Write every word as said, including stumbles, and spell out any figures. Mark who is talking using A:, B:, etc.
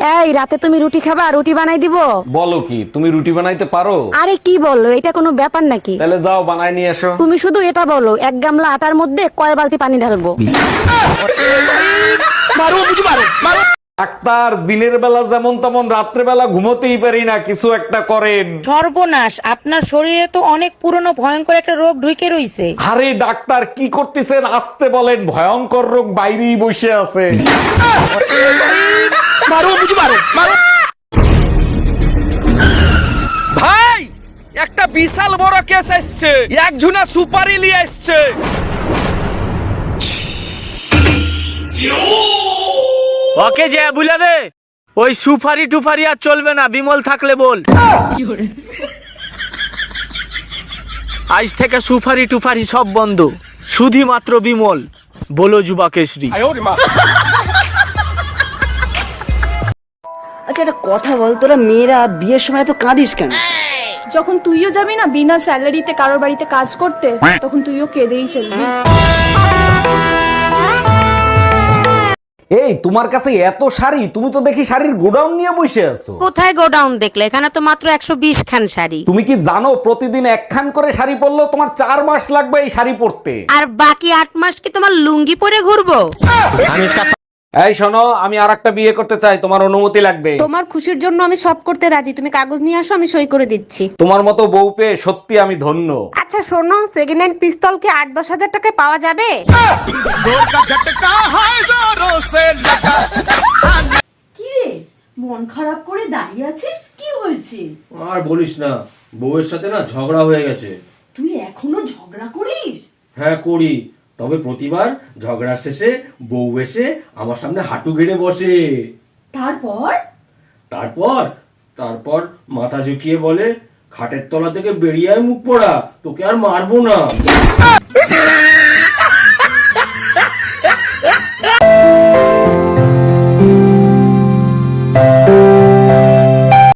A: এই রাতে তুমি রুটি খাবা? রুটি বানাই দিব?
B: বলো কি, তুমি রুটি বানাইতে পারো?
A: আরে কি বললো, এটা কোনো ব্যাপার নাকি?
B: তাহলে যাও বানাই নিয়ে এসো।
A: তুমি শুধু এটা বলো, এক গামলা আটার মধ্যে কয় বালতি পানি ঢালবো?
B: ডাক্তার, দিনের বেলা যেমন তেমন রাত্রে বেলা ঘুমোতেই পারি না, কিছু একটা করেন।
C: সর্বনাশ, আপনার শরীরে তো অনেক পুরনো ভয়ঙ্কর একটা রোগ ঢুকে রইছে।
B: আরে ডাক্তার, কি করতেছেন? আসতে বলেন, ভয়ঙ্কর রোগ বাইরেই বসে আছে।
D: ভাই, একটা বিশাল বড় কেস এসছে, একজনা সুপারি নিয়ে এসছে। ওকে যে বুঝলে দে, ওই সুপারি টুপারি আর চলবে না, বিমল থাকলে বল। আজ থেকে সুপারি টুপারি সব বন্ধ, শুধুমাত্র বিমল। বলো যুবা কেশরী।
E: আচ্ছা একটা কথা বল, তোরা মেয়েরা বিয়ের সময় তো কাঁদিস কেন?
F: যখন তুইও যাবি না বিনা স্যালারিতে কারোর বাড়িতে কাজ করতে, তখন তুইও কেঁদেই ফেলবি।
B: এই, তোমার কাছে এত শাড়ি, তুমি তো দেখি শাড়ির গোডাউন নিয়ে বসে আছো।
A: কোথায় গোডাউন দেখলে? এখানে তো মাত্র একশো বিশ খান শাড়ি।
B: তুমি কি জানো প্রতিদিন একখান করে শাড়ি পরলেও তোমার চার মাস লাগবে এই শাড়ি পরতে।
A: আর বাকি আট মাস কি তোমার লুঙ্গি পরে ঘুরবো?
B: এই শোনো, আমি আর একটা বিয়ে করতে চাই, তোমার অনুমতি লাগবে।
A: তোমার খুশির জন্য আমি সব করতে রাজি, তুমি কাগজ নিয়ে আসো, আমি সই করে দিচ্ছি।
B: তোমার মতো বউ পেয়ে সত্যি আমি ধন্য।
A: আচ্ছা শোনো, সেকেন্ড হ্যান্ড পিস্তল কি আট দশ হাজার টাকায় পাওয়া যাবে?
G: কি রে, মন খারাপ করে দাঁড়িয়ে আছিস? কি হয়েছে?
H: আর বলিস না, বউয়ের সাথে না ঝগড়া হয়ে গেছে।
G: তুই এখনো ঝগড়া করিস?
H: হ্যাঁ করি, তবে প্রতিবার ঝগড়া শেষে বউ এসে আমার সামনে হাঁটু গেড়ে বসে।
G: তারপর?
H: তারপর তারপর মাথা ঝুঁকিয়ে বলে, খাটের তলা থেকে বেরিয়ে আয় মুখ পোড়া, তোকে আর মারবো না।